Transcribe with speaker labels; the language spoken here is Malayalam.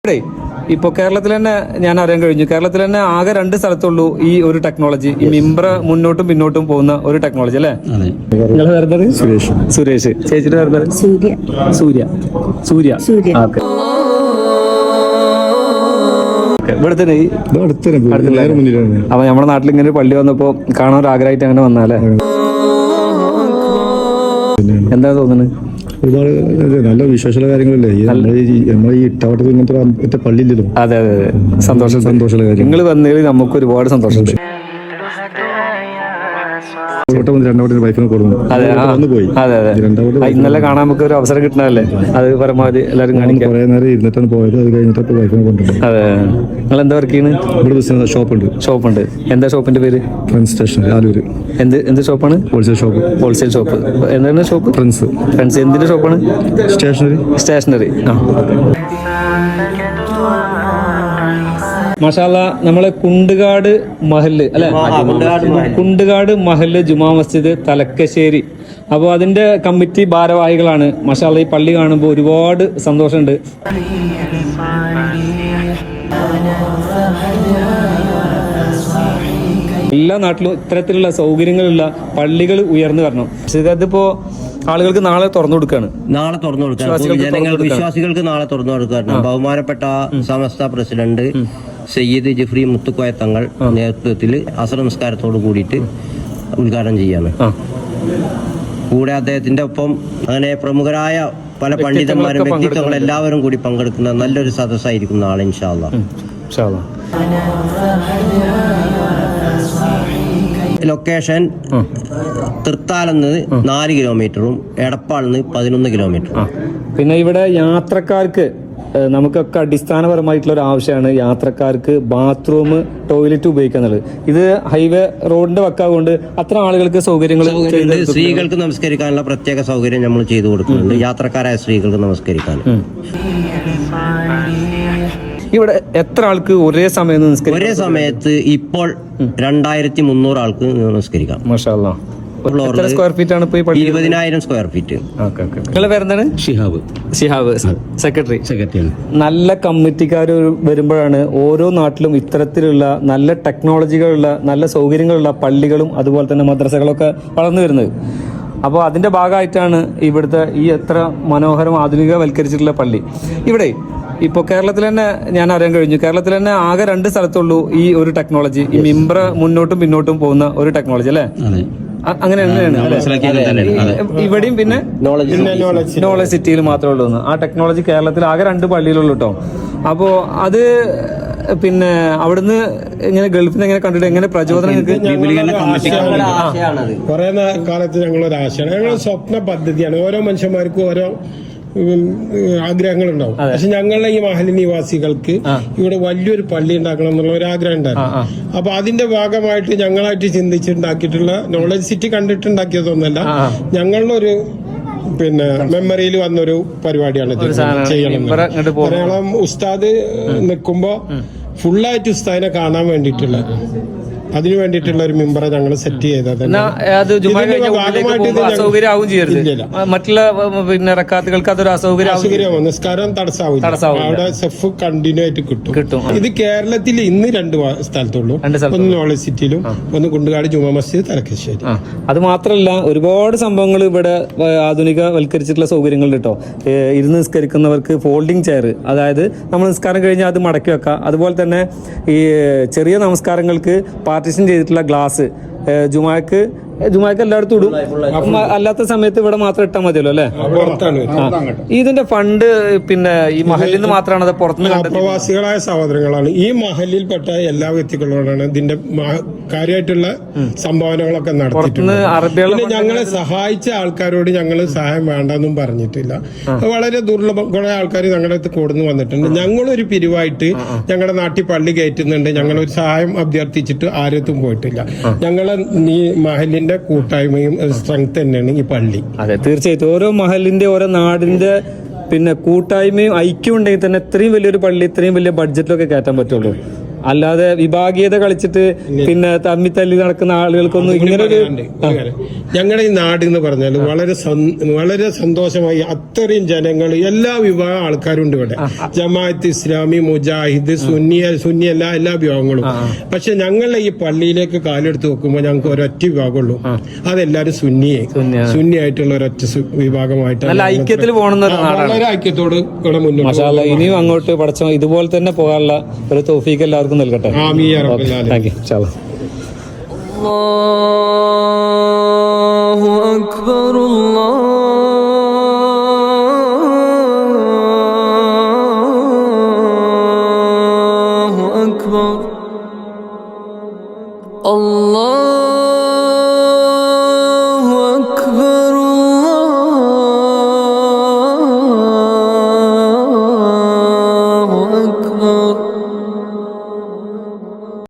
Speaker 1: ഇപ്പോൾ കേരളത്തിൽ തന്നെ ഞാൻ അറിയാൻ കഴിഞ്ഞു, കേരളത്തിൽ തന്നെ ആകെ 2 സ്ഥലത്തുള്ളൂ ഈ ഒരു ടെക്നോളജി, ഈ മിംബ്ര മുന്നോട്ടും പിന്നോട്ടും പോകുന്ന ഒരു ടെക്നോളജി അല്ലേ? നിങ്ങൾ വരുന്നത് സുരേഷ്, ചേച്ചിയുടെ വരുന്നത് സൂര്യ. അപ്പൊ നമ്മുടെ നാട്ടിൽ ഇങ്ങനെ ഒരു പള്ളി വന്നപ്പോ കാണാൻ ഒരു ആഗ്രഹമായിട്ട് അങ്ങനെ വന്നാലേ, എന്താ തോന്നുന്നത്?
Speaker 2: ഒരുപാട് നല്ല വിശ്വാസമുള്ള കാര്യങ്ങളല്ലേ നമ്മൾ ഈ ഇട്ടാവട്ടത്തിൽ ഇങ്ങനത്തെ പള്ളിയില്ലല്ലോ.
Speaker 1: അതെ, സന്തോഷമുള്ള കാര്യം. നിങ്ങൾ വന്നതിൽ നമുക്ക് ഒരുപാട് സന്തോഷമുണ്ട്. ഇന്നലെ കാണാൻ നമുക്ക് ഒരു അവസരം കിട്ടണല്ലേ, അത് പരമാവധി എല്ലാവരും കാണിക്കാം.
Speaker 2: കുറെ നേരം ഇരുന്നിട്ടാണ് പോയത്, അത് കഴിഞ്ഞിട്ട് വൈഫിനെ കൊണ്ടുപോകും.
Speaker 1: അതെ, നിങ്ങൾ എന്താ വർക്ക് ചെയ്യുന്നത്?
Speaker 2: ഇവിടെ ബിസിനസ് ഷോപ്പുണ്ട്.
Speaker 1: എന്താ ഷോപ്പിന്റെ പേര്?
Speaker 2: Friends stationery Aloor.
Speaker 1: എന്ത് ഷോപ്പാണ്?
Speaker 2: Wholesale shop.
Speaker 1: എന്താണ് ഷോപ്പ്? ഫ്രണ്ട്സ്. എന്തിന്റെ ഷോപ്പാണ്? സ്റ്റേഷനറി. മാഷാല്ല, നമ്മളെ കുണ്ടുകാട് മഹല്ല് അല്ലെ, കുണ്ടുകാട് മഹല്ല് ജുമാ മസ്ജിദ് തലക്കശ്ശേരി. അപ്പോൾ അതിന്റെ കമ്മിറ്റി ഭാരവാഹികളാണ്. മാഷാല്ല, ഈ പള്ളി കാണുമ്പോൾ ഒരുപാട് സന്തോഷമുണ്ട്. എല്ലാ നാട്ടിലും ഇത്തരത്തിലുള്ള സൗകര്യങ്ങളുള്ള പള്ളികൾ ഉയർന്നു വരണം. അതിപ്പോ ആളുകൾക്ക് നാളെ തുറന്നു കൊടുക്കുകയാണ്.
Speaker 3: ജനങ്ങൾക്ക്, വിശ്വാസികൾക്ക് നാളെ തുറന്നു കൊടുക്കുകയാണ്. ബഹുമാനപ്പെട്ട സമസ്ത പ്രസിഡന്റ് സയ്യിദ് ജിഫ്രി മുത്തുക്കോയ തങ്ങൾ നേതൃത്വത്തിൽ അസർ നമസ്കാരത്തോട് കൂടിയിട്ട് ഉദ്ഘാടനം ചെയ്യാണ്. കൂടെ അദ്ദേഹത്തിന്റെ ഒപ്പം അങ്ങനെ പ്രമുഖരായ പല പണ്ഡിതന്മാരും വ്യക്തിത്വങ്ങൾ എല്ലാവരും കൂടി പങ്കെടുക്കുന്ന നല്ലൊരു സദസ്സായിരിക്കും നാളെ ഇൻഷാ അല്ലാഹ്. ലൊക്കേഷൻ തൃത്താലെന്ന് 4 കിലോമീറ്ററും എടപ്പാളിന്ന് 11 കിലോമീറ്ററും.
Speaker 1: പിന്നെ ഇവിടെ യാത്രക്കാർക്ക് നമുക്കൊക്കെ അടിസ്ഥാനപരമായിട്ടുള്ള ഒരു ആവശ്യമാണ് യാത്രക്കാർക്ക് ബാത്റൂം, ടോയ്ലറ്റ് ഉപയോഗിക്കുന്നത്. ഇത് ഹൈവേ റോഡിന്റെ വക്കാകൊണ്ട് അത്ര ആളുകൾക്ക് സൗകര്യങ്ങൾ.
Speaker 3: സ്ത്രീകൾക്ക് നമസ്കരിക്കാനുള്ള പ്രത്യേക സൗകര്യം നമ്മൾ ചെയ്തു കൊടുക്കുന്നുണ്ട്, യാത്രക്കാരായ സ്ത്രീകൾക്ക് നമസ്കരിക്കാൻ.
Speaker 1: ഇവിടെ എത്ര ആൾക്ക് ഒരേ
Speaker 3: സമയത്ത് ഇപ്പോൾ 2300 ആൾക്ക് നമസ്കരിക്കാം.
Speaker 1: മാഷാ അല്ലാഹ്. സ്ക്വയർ ഫീറ്റ് ആണ്
Speaker 3: 20,000 സ്ക്വയർ ഫീറ്റ്.
Speaker 1: നിങ്ങളെ പേരെന്താണ്? ഷിഹാബ്, സെക്രട്ടറി. നല്ല കമ്മിറ്റിക്കാർ വരുമ്പോഴാണ് ഓരോ നാട്ടിലും ഇത്തരത്തിലുള്ള നല്ല ടെക്നോളജികളുള്ള, നല്ല സൗകര്യങ്ങളുള്ള പള്ളികളും അതുപോലെ തന്നെ മദ്രസകളൊക്കെ വളർന്നു വരുന്നത്. അപ്പോൾ അതിന്റെ ഭാഗമായിട്ടാണ് ഇവിടുത്തെ ഈ എത്ര മനോഹരം ആധുനികവൽക്കരിച്ചിട്ടുള്ള പള്ളി. ഇവിടെ ഇപ്പോൾ കേരളത്തിൽ തന്നെ ഞാൻ അറിയാൻ കഴിഞ്ഞു, കേരളത്തിൽ തന്നെ ആകെ 2 സ്ഥലത്തുള്ളൂ ഈ ഒരു ടെക്നോളജി, ഈ മിംബ്ര മുന്നോട്ടും പിന്നോട്ടും പോകുന്ന ഒരു ടെക്നോളജി അല്ലേ? അങ്ങനെ ഇവിടെയും പിന്നെ നോളജ് സിറ്റിയിൽ മാത്രമേ ഉള്ളൂ. ആ ടെക്നോളജി കേരളത്തിൽ ആകെ 2 പള്ളിയിലുള്ളൂ കേട്ടോ. അപ്പോ അത് പിന്നെ അവിടുന്ന് ഇങ്ങനെ ഗൾഫിൽ നിന്ന് എങ്ങനെ കണ്ടിട്ട് എങ്ങനെ പ്രചോദനം?
Speaker 4: കുറെ കാലത്ത് ഞങ്ങളൊരു ആശയാണ്, ഞങ്ങൾ സ്വപ്ന പദ്ധതിയാണ്. ഓരോ മനുഷ്യന്മാർക്കും ഓരോ ആഗ്രഹങ്ങളുണ്ടാവും. പക്ഷെ ഞങ്ങളുടെ ഈ മഹല്ല് നിവാസികൾക്ക് ഇവിടെ വലിയൊരു പള്ളി ഉണ്ടാക്കണം എന്നുള്ള ഒരു ആഗ്രഹം ഉണ്ടായിരുന്നു. അപ്പൊ അതിന്റെ ഭാഗമായിട്ട് ഞങ്ങളായിട്ട് ചിന്തിച്ചുണ്ടാക്കിയിട്ടുള്ള നോളജ് സിറ്റി കണ്ടിട്ടുണ്ടാക്കിയതൊന്നല്ല, ഞങ്ങളുടെ ഒരു മെമ്മറിയിൽ വന്നൊരു പരിപാടിയാണ് ചെയ്യണം. മലയാളം ഉസ്താദ് നിൽക്കുമ്പോ ഫുള്ളായിട്ട് ഉസ്താദിനെ കാണാൻ വേണ്ടിയിട്ടുള്ള, അതിനു വേണ്ടിയിട്ടുള്ള ഒരു മെമ്പറെ ഞങ്ങൾ സെറ്റ് ചെയ്തത്.
Speaker 1: മറ്റുള്ള പിന്നെ റക്കാത്തുകൾക്ക് അതൊരു അസൗകര്യം,
Speaker 4: നിസ്കാരം തടസ്സമാവില്ല, അവിടെ സെഫ് കണ്ടിന്യൂ ആയിട്ട് കിട്ടും. ഇത് കേരളത്തിൽ ഇന്ന് 2 സ്ഥലത്തുള്ളൂ, ഒന്ന് നോളജ് സിറ്റിയിലും ഒന്ന് കുണ്ടുകാട് ജുമാ മസ്ജിദ് തലക്കശ്ശേരി.
Speaker 1: അത് മാത്രമല്ല ഒരുപാട് സംഭവങ്ങൾ ഇവിടെ ആധുനികവൽക്കരിച്ചിട്ടുള്ള സൗകര്യങ്ങൾ കേട്ടോ. ഇരുന്ന് നിസ്കരിക്കുന്നവർക്ക് ഫോൾഡിംഗ് ചെയർ, അതായത് നമ്മൾ നിസ്കാരം കഴിഞ്ഞാൽ അത് മടക്കി വെക്കാം. അതുപോലെ തന്നെ ഈ ചെറിയ നമസ്കാരങ്ങൾക്ക് പാർട്ടീഷൻ ചെയ്തിട്ടുള്ള ഗ്ലാസ്, ജുമാക്ക് എല്ലായിടത്തും ഇടും, അല്ലാത്ത സമയത്ത് ഇവിടെ മാത്രം ഇട്ടാൽ മതിയല്ലോ അല്ലെ? ഇതിന്റെ ഫണ്ട് പിന്നെ ഈ മഹലിൽ നിന്ന് മാത്രമാണ് അത് പുറത്തുനിന്ന്?
Speaker 4: പ്രവാസികളായ സഹോദരങ്ങളാണ് ഈ മഹലിൽപ്പെട്ട എല്ലാ വ്യക്തികളോടാണ് ഇതിന്റെ കാര്യമായിട്ടുള്ള സംഭാവനകളൊക്കെ നടത്തിയിട്ടുണ്ട്. ഞങ്ങളെ സഹായിച്ച ആൾക്കാരോട് ഞങ്ങൾ സഹായം വേണ്ടെന്നും പറഞ്ഞിട്ടില്ല. വളരെ ദുർലഭം കുറെ ആൾക്കാർ ഞങ്ങളുടെ അടുത്ത് കൊടുന്നു വന്നിട്ടുണ്ട്. ഞങ്ങളൊരു പിരിവായിട്ട് ഞങ്ങളുടെ നാട്ടിൽ പള്ളി കയറ്റുന്നുണ്ട്, ഞങ്ങളൊരു സഹായം അഭ്യർത്ഥിച്ചിട്ട് ആരത്തും പോയിട്ടില്ല. ഞങ്ങളെ ഈ മഹലിന്റെ കൂട്ടായ്മയും സ്ട്രെങ്ത് തന്നെയാണ് ഈ പള്ളി.
Speaker 1: അതെ, തീർച്ചയായിട്ടും ഓരോ മഹലിന്റെ ഓരോ നാടിന്റെ പിന്നെ കൂട്ടായ്മയും ഐക്യം ഉണ്ടെങ്കിൽ തന്നെ ഇത്രയും വലിയൊരു പള്ളി ഇത്രയും വലിയ ബഡ്ജറ്റിലൊക്കെ കയറ്റാൻ പറ്റുള്ളൂ. അല്ലാതെ വിഭാഗീയത കളിച്ചിട്ട് പിന്നെ തമ്മിത്തല്ലി നടക്കുന്ന ആളുകൾക്കൊന്നും ഇങ്ങനെ ഒരു
Speaker 4: ഞങ്ങളുടെ ഈ നാട് എന്ന് പറഞ്ഞാൽ വളരെ സന്തോഷമായി അത്രയും ജനങ്ങൾ എല്ലാ വിഭാഗം ആൾക്കാരും ഉണ്ട് ഇവിടെ. ജമാഅത്ത് ഇസ്ലാമി, മുജാഹിദ്, സുന്നി എല്ലാ വിഭാഗങ്ങളും. പക്ഷെ ഞങ്ങളുടെ ഈ പള്ളിയിലേക്ക് കാലെടുത്ത് നോക്കുമ്പോൾ ഞങ്ങൾക്ക് ഒരൊറ്റ വിഭാഗമുള്ളൂ. അതെല്ലാരും സുന്നിയായിട്ടുള്ള ഒരൊറ്റ വിഭാഗമായിട്ട്
Speaker 1: നല്ല ഐക്യത്തിൽ പോകണമെന്ന
Speaker 4: വളരെ ഐക്യത്തോട് ഇവിടെ മുന്നോട്ട്
Speaker 1: മാഷാഅല്ലാ. ഇനിയും അങ്ങോട്ട് പഠിച്ചോ ഇതുപോലെ തന്നെ പോകാനുള്ള ഒരു തൗഫീഖ് എല്ലാവർക്കും നൽകട്ടെ.
Speaker 4: ആമീൻ യാ റബ്ബൽ ആലമീൻ.
Speaker 1: Thank you. ഇൻഷാ അല്ലാ.
Speaker 5: الله أكبر الله